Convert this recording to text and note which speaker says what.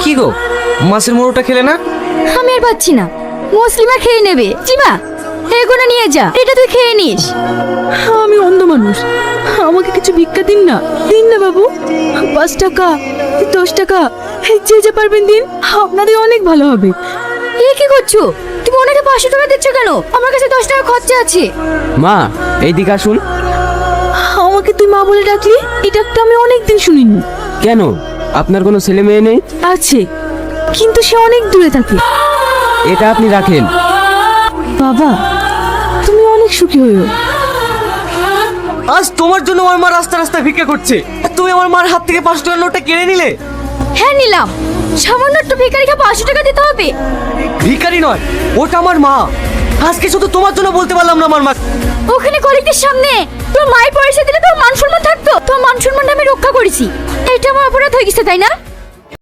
Speaker 1: কি গো, মাছের মোড়োটা খেলে না?
Speaker 2: আমি আর পাচ্ছি না, মুসলিমা খেয়ে নেবে। জিমা, এগুলো নিয়ে যা, এটা তুই খেয়ে নিস।
Speaker 3: আমি অন্ধ মানুষ, আমাকে কিছু ভিক্ষা দিন না, দিন না বাবু। 5 টাকা, 10 টাকা, যে যে পারবেন দিন, আপনাদের অনেক ভালো হবে।
Speaker 2: এ কি করছো তুমি? ওনাকে 500 টাকা দিচ্ছ কেন? আমার কাছে 10 টাকা খরচা আছে।
Speaker 1: মা, এইদিকে আসুন।
Speaker 3: আমাকে তুই মা বলে ডাকলি, এই ডাকটা আমি অনেকদিন শুনিনি।
Speaker 1: কেন, আপনার কোনো ছেলে মেয়ে নেই?
Speaker 3: আছে, কিন্তু সে অনেক দূরে থাকে।
Speaker 1: এটা আপনি রাখেন।
Speaker 3: বাবা, তুমি অনেক সুখী হইও।
Speaker 1: আজ তোমার জন্য আমার মা রাস্তা রাস্তা ভিক্ষা করছে, আর তুমি আমার মার হাত থেকে 500 টাকার নোটটা কেড়ে নিলে।
Speaker 2: হ্যাঁ নিলাম, সামান্য একটু ভিখারিকে 500 টাকা দিতে হবে?
Speaker 1: ভিখারি নয়, ওটা আমার মা। আজকে শুধু তোমার জন্য বলতে পারলাম না আমার মা।
Speaker 2: ওখানে কলিগদের সামনে তোর মায়ের পয়সা দিলে তোর মান সম্মান থাকতো? তোর মান সম্মানটা আমি রক্ষা করেছি, এটা আমার অপরাধ হয়ে গেছে তাই না?